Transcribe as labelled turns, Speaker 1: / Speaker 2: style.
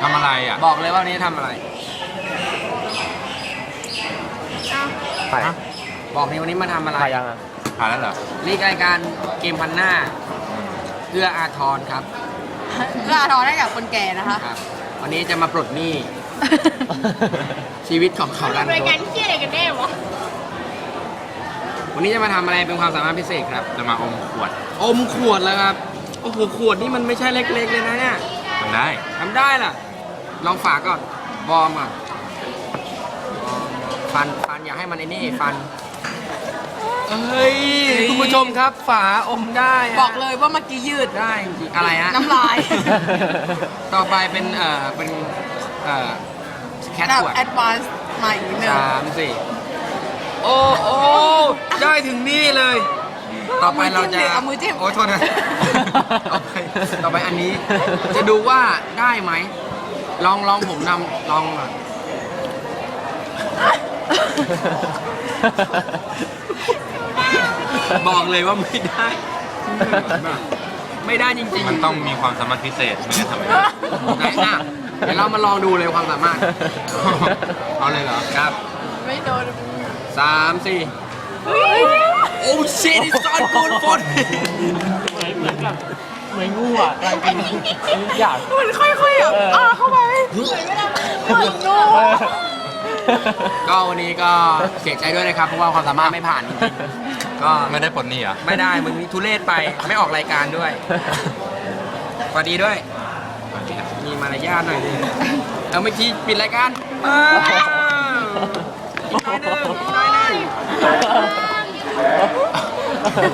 Speaker 1: ทำอะไรอ่ะ
Speaker 2: บอกเลยว่าวันนี้ทำอะไร
Speaker 3: ไป
Speaker 1: ฮะ
Speaker 2: บอกนี่วันนี้มาทำอะไร
Speaker 3: ไปยังอ่ะ
Speaker 1: ผ่านแล้วเหรอ
Speaker 2: นี่รายการเกมพันหน้าเพื่ออาทรครับ
Speaker 4: เพื่อทอนให้กับคนแก่นะคะ
Speaker 2: ครับ วันนี้จะมาปลดหนี้ ชีวิตของเขาดัน
Speaker 4: ราย
Speaker 2: ท
Speaker 4: การ
Speaker 2: ด
Speaker 4: ที่อะไรกันแน่วะ
Speaker 2: วันนี้จะมาทำอะไรเป็นความสามารถพิเศษครับ
Speaker 1: จะมาอมขวด
Speaker 2: อมขวดแล้วครับ โอ้โห ขวดนี่มันไม่ใช่เล็กๆเลยนะเนี่ย
Speaker 1: ทำได้
Speaker 2: ทำได้ล่ะ ลองฝากก่อน วอร์มก่อนฟันอย่าให้มันไอ้นี่ฟัน เอ้ย คุณผู้ชมครับ ฝาอมได้ะ
Speaker 4: บอกเลยว่าเมื่อกี้ยืด
Speaker 2: ได้จริงๆอะไรฮะ
Speaker 4: น้ำลาย
Speaker 2: ต่อไปเป็นเป็นแคท
Speaker 4: แบบ
Speaker 2: ขวด
Speaker 4: แอดวานซ์ใหม่นิดนึง
Speaker 2: 3 4โอ้โอ้ได้ถึงนี่เลย ต่อไปเราจะ
Speaker 4: เอามือจิ้ม
Speaker 2: โอ้โทษนะ ต่อไปอันนี้ จะดูว่าได้ไหม ลองผมนำลองหน่อยบอกเลยว่าไม่ได้ ไม่ได้จริงๆ
Speaker 1: มันต้องมีความสามารถพิเศษไม่งั้นทำไม่ได้
Speaker 2: ไหนอ่ะเดี๋ยวเรามาลองดูเลยความสามารถ
Speaker 1: เอาเลยเหรอ
Speaker 2: ครับ
Speaker 4: ไม่โดน
Speaker 2: 3 4โอ้ชิตซอนกูนฟน
Speaker 3: เหมือนกับเหมือนงูอ่ะกลายเป็นทุกอย่าง
Speaker 4: มันค่อยๆแบบเข้าไปเหมือนงู
Speaker 2: ก็วันนี้ก็เสียใจด้วยนะครับ เพราะว่าความสามารถไม่ผ่านจริงๆก็
Speaker 1: ไม่ได้ปลดหนี้เหรอ
Speaker 2: ไม่ได้มึงมีทุเรศไปไม่ออกรายการด้วยสวัสดีด้วย มีมารยาทหน่อยดิเอาเมื่อกี้ปิดรายการอีกหน่อยหนึงอีกหน่อยหนึง